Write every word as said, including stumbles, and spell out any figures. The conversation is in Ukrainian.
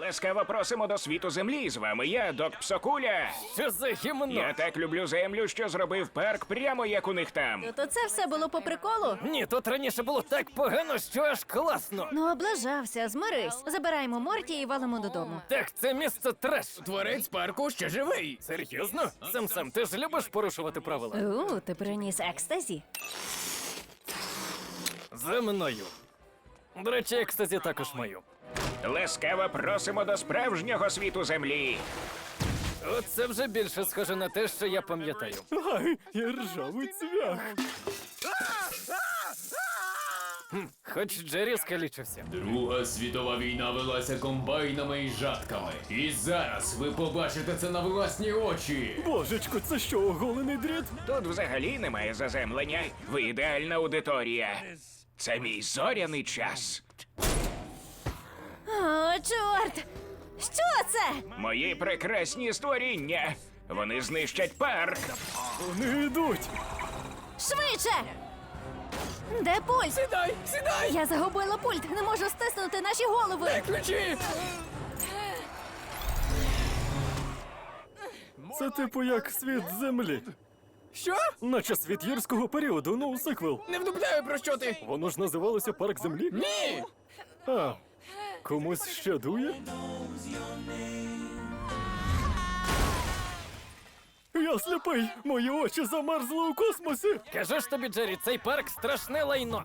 Ласкаво просимо до світу землі. З вами я, Док Псокуля. Що за гімно? Я так люблю землю, що зробив парк прямо як у них там. То це все було по приколу? Ні, тут раніше було так погано, що аж класно. Ну, облажався, змирись. Забираємо Морті і валимо додому. Так, це місце треш. Творець парку ще живий. Серйозно? Сам-сам, ти ж любиш порушувати правила? У, ти приніс екстазі. За мною. До речі, екстазі також маю. Ласкаво просимо до справжнього світу землі. Оце вже більше схоже на те, що я пам'ятаю. Ай, і ржавий цвях. Хоч Джері скалічився. Друга світова війна велася комбайнами і жатками. І зараз ви побачите це на власні очі. Божечко, це що, оголений дріт? Тут взагалі немає заземлення. Ви ідеальна аудиторія. Це мій зоряний час. О, чорт! Що це? Мої прекрасні створіння. Вони знищать парк. Вони йдуть. Швидше! Де пульт? Сідай, сідай! Я загубила пульт, не можу стиснути наші голови. Ключі! Це типу як світ землі. Що? Наче світ юрського періоду, ну, сиквел. Не вдупляю, про що ти? Воно ж називалося Парк землі? Ні! А, комусь ще дує? Я сліпий! Мої очі замерзли у космосі! Кажу ж тобі, Джері, цей парк страшне лайно.